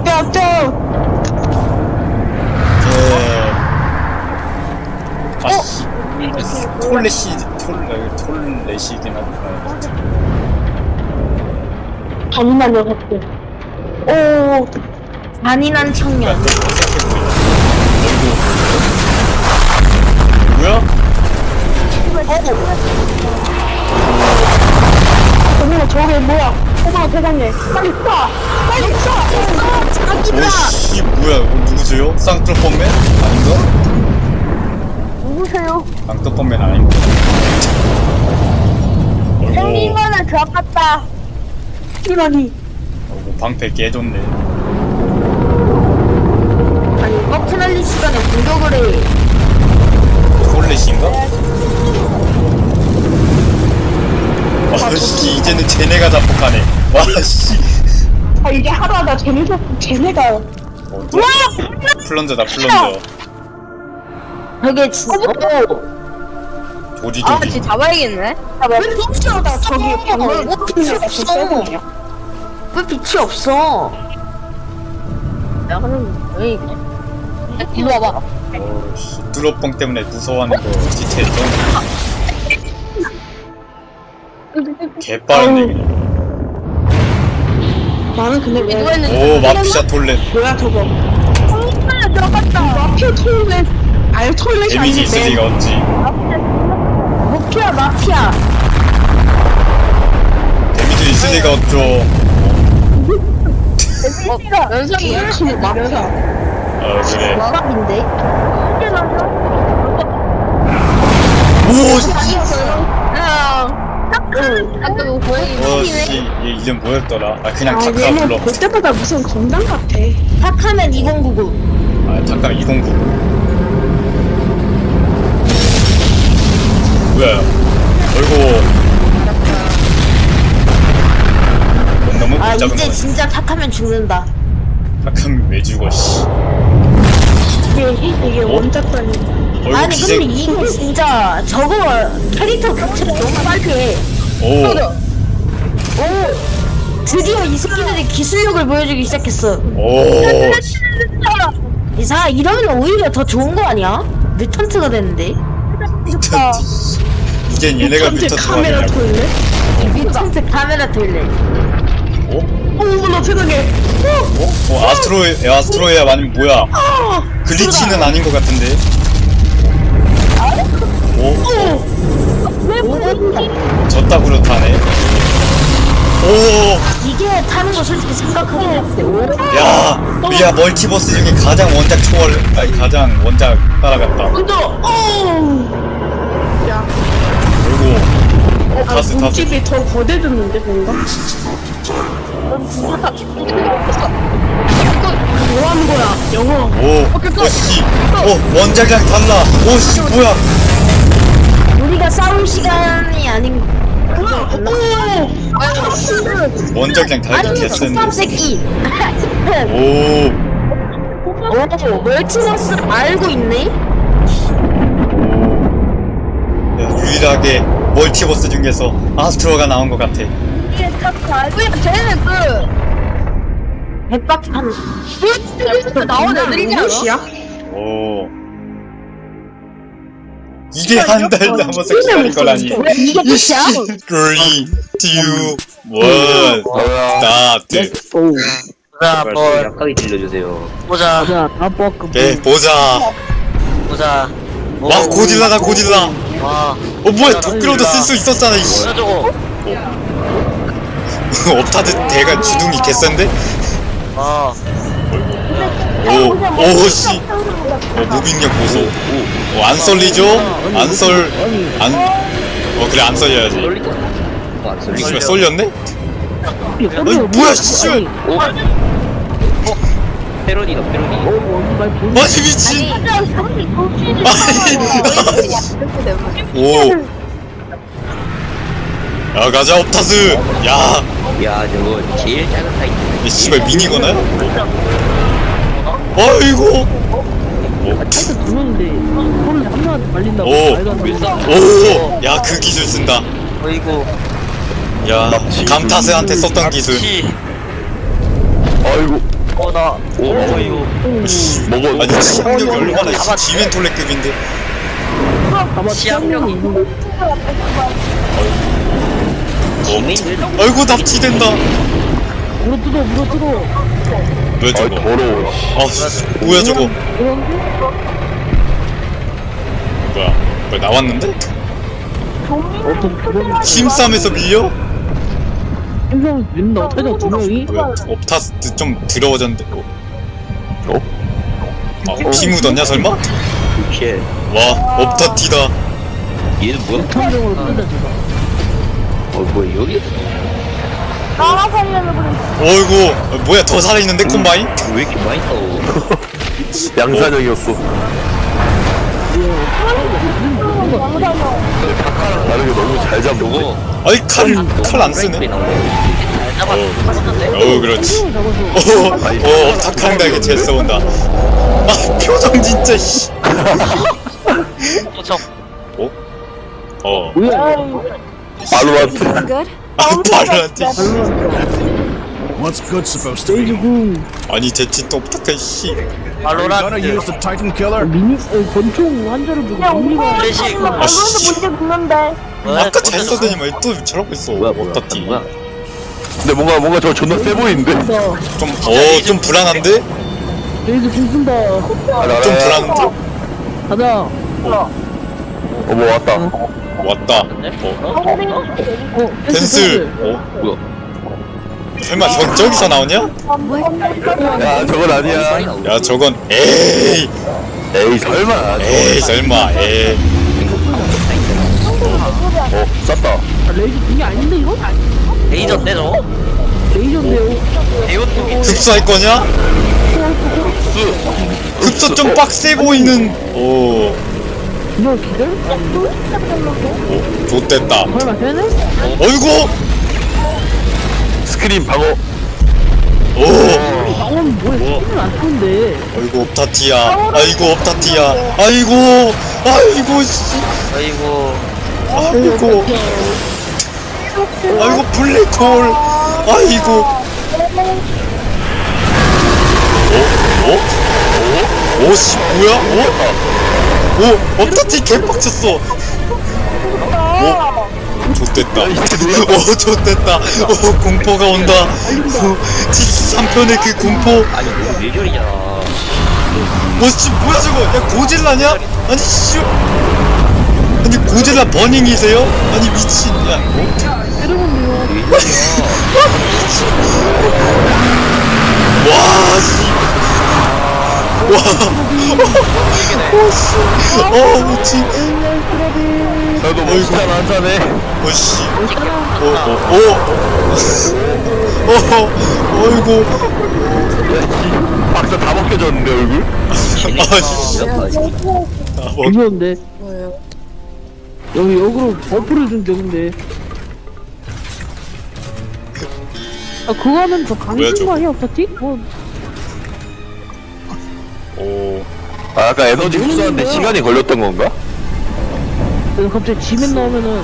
톨레시긴 하구나. 잔인한 녀석들. 오, 잔인한 청년. 뭐야? 어머, 저게 뭐야? 어머, 세상에. 빨리 쏴! 빨리 쏴! 자기다! 오씨 뭐야? 누구세요? 쌍뚜껑맨? 아닌가? 누구세요? 쌍뚜껑맨 아닌가? 생긴 거는 들어갔다. 이러니. 방패 깨졌네. 아니, 버튼알리 시간에 공격을 해. 톨레시인가? 와씨 이제는 쟤네가 자폭하네. 와씨. 아, 이게 하루하다 쟤네가. 플런저다 플런저. 저게 진짜. 조지 아, 조지. 진짜 잡아야겠네. 왜 빛이 없어? 저기 방금 왜 빛이 없어? 왜 빛이 없어? 야, 그럼 왜 이래? 이리 와봐. 어씨 뚜러뻥 때문에 무서워하는 거 지체했죠? 개빠른데 그냥. 나는 근데 왜? 오 마피샤 톨렛. 뭐야 저거? 정말 들어갔다. 마피아 톨렛. 아유 톨렛이 데미지 있을 리가 없지. 마피아. 데미지 있을 리가 없죠. 연상이야. 마피아. 어 그래. 마감인데? 오 아까 뭐 고양이 어씨 얘 이름 뭐였더라? 아 그냥 타카 얘는 불러. 볼 때마다 무슨 건담 같아. 탁하면 2099. 아 타카 209. 뭐야? 어이구. 너무 아 작은 이제 거. 진짜 탁하면 죽는다. 타카면 왜 죽어? 씨. 이게 원작권이. 어이구 아니 기생. 근데 이거 진짜 저거 캐릭터 교체가 너무 빨리 해. 오. 오 드디어 이 새끼들이 기술력을 보여주기 시작했어. 오. 이사 이러면 오히려 더 좋은 거 아니야? 뮤턴트가 됐는데. 뮤턴트. 이젠 얘네가 뮤턴트 카메라 아니냐고. 돌래? 뮤턴트 카메라 돌래. 어? 어머나 세상에. 아스트로이야 아니면 뭐야? 글리치는 아닌 것 같은데. 오? 저따구로 타네. 오! 이게 타는 거 솔직히 생각하긴 했는데. 야 멀티버스 중에 가장 원작 초월, 아니 가장 원작 따라갔다. 그리고 타스. 몸집이 더 거대졌는데 뭔가? 뭐 하는 거야? 영어. 오씨, 원작이랑 달라. 오씨 뭐야? 우리가 싸울 시간이 아닌 그거 맞나? 원작이랑 다르게 아니 개쓰는데. 족밥 새끼. 오. 오 멀티버스 알고 있네? 야, 유일하게 멀티버스 중에서 아스트로가 나온 것 같아. 이게 딱 알고 있는 쟤는 백바퀴 하는. 나온 애들이지 않아? 오. 이게 한 달 남아서 기다린 거라니. 이게 끝이야? 3, 2, 1, 스타트. 보자, 한번 약하게 들려주세요. 보자, 오케이, 보자. 보자. 와, 고딜라다, 고딜라. 와, 뭐야, 도끼로도 쓸 수 있었잖아, 이씨. 뭐야 저거? 업타드 대가 주둥이 개센데? 아, 씨. 무빙력 보소. 안 썰리죠? 그래, 안 썰려야지. 쏠릴 거. 안 쏠릴 씨발, 거. 썰렸네? 아니, 뭐야, 씨발. 오. 패러디다, 패러디. 아니, 미친. 오. 야, 가자, 업타스. 야, 야, 저거 제일 작은 타이틀. 이 씨발 미니거나요? 아이고. 오, 야, 그 기술 쓴다. 어이구. 야, 감타스한테 썼던 기술. 납치. 아이고 나. 오 이거. 먹어. 아니 치명력이 얼마나 지멘톨레급인데. 아마 치약력이. 아이고 납치된다. 물어뜯어. 왜 아 저거? 더러워. 아 뭐야 저거? 뭐야 나왔는데? 힘싸움에서 밀려? 힘싸움 밀린다. 어떻게 돼? 두 명이? 왜 업타스 좀 더러워졌는데? 어? 피 묻었냐 설마? 오케이. 와 업타티다. 얘는 뭐야? 탐정으로 끌다 제가. 뭐야 여기? 어이구 뭐야 더 살아있는데 콤바인? 왜 이렇게 많이 싸워? 양산형이었어. 다르게 너무 잘 잡는 거. 아이 칼 안 쓰네. 잘 잡았는데? 그렇지. 탁한다게 제스 온다. 아 표정 진짜 씨. 도청. 발로란트. 발로한테. What's good supposed to be? 아니 제치 또 부탁해 씨. Are you gonna use the Titan Killer? 권총 한자를 두고 미니가 플래시. 아씨. 붙는데. 아까 잘 써더니만 또 저러고 있어. 업타티. 뭐야? 근데 뭔가 저 존나 세 보이는데. 좀 불안한데? 레이즈 궁쓴다. 좀 불안한데? 가자. 어머 왔다. 왔다. 펜슬. 뭐야? 설마 저기서 나오냐? 야 저건 아니야. 야 저건 에이 설마. 설마 에이. 쌌다. 레이즈 궁이 아닌데 이거? 레이저인데 저거? 레이저인데요. 대원통이. 흡수할 거냐? 흡수 좀 빡세 보이는. 오 이거 기절? 좋됐다. 설마 되네? 어이구. 스크린 방어. 오 방금 뭐야? 스킬을 안 쓰는데. 아이고 업타티야. 아이고 업타티야. 아이고 씨. 아이고. 아이고 블랙홀. 아이고. 오씨 뭐야? 오 업타티 개빡쳤어. 좋됐다. 좋됐다. 공포가 온다. 73편의 그 공포. 아니 이거 뇌절이잖아. 씨 뭐야 저거? 야 고질라냐? 아니 씨. 아니 고질라 버닝이세요? 아니 미친. 야 와 씨. 미친. 나도 멋있잖아 한 잔에. 오씨. 어이구. 박사 다 벗겨졌는데 얼굴? 아씨. 무서운데. 여기 역으로 버프를 준 적인데. 아 그거 하면 더 뭐야, 강해진 저거? 거 아니야 없었지? 뭐 오. 아 아까 에너지 흡수하는데 시간이 걸렸던 건가? 그래서 갑자기 지면 나오면은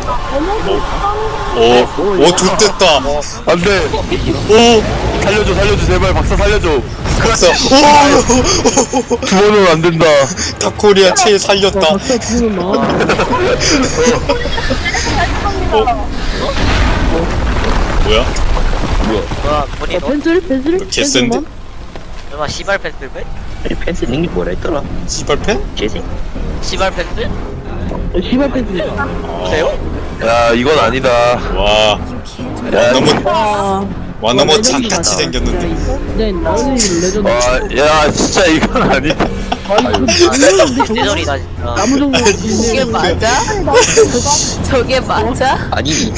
오 좋됐다. 안돼. 오. 살려줘 제발 박사 살려줘. 그랬어. 오. 두 번은 안 된다. 탑코리아 체에 살렸다. 박사 죽으면 나. 뭐야? 뭐야? 본인 너? 펜슬? 개센데? 설마 시발 펜슬 배? 아니 펜슬 링이 뭐라 했더라? 씨발팬? 재생? 시발 펜슬? 시발 펜슬. 그래요? 야 이건 아니다. 와. 야 와. 와 너무 장같이 생겼는데. 네, 나는 레전드. 야 진짜 이건 아니다. 뇌절이다 진짜. 나무 정도 저게 맞아? 저게 맞아? 아니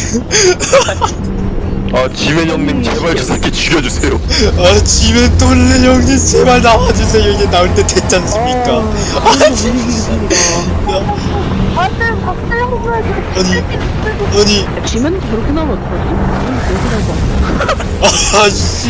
지맨 형님 제발 저 새끼 죽여주세요. 지면 돌레 형님 제발 나와주세요. 이게 나올 때 됐지 않습니까? 아니 지면 저렇게 나오면 어떡하지? 아씨.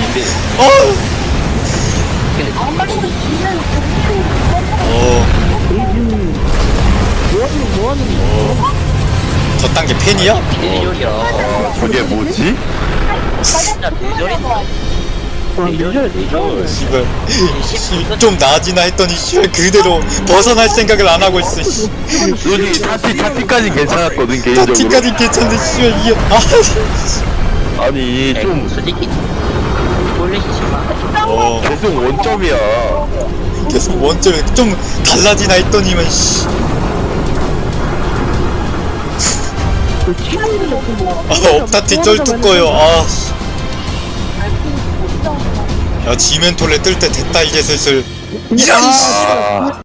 뭐하는 저딴 게 팬이야? 뇌절이야. 저게 뭐지? 진짜 뇌절인데. 씨발 좀 나아지나 했더니 씨발 그대로 벗어날 생각을 안 하고 있어. 씨. 솔직히 타티까지 괜찮았거든 개인적으로. 파티까지 괜찮은데 씨발 이게 아니 좀 솔직히 꼴리시지마. 계속 원점이야. 계속 원점에 좀 달라지나 했더니만 씨. 업타티 쩔뚝거려. 아. 씨. 야 지멘톨레 뜰 때 됐다 이제 슬슬. 이런 씨. 아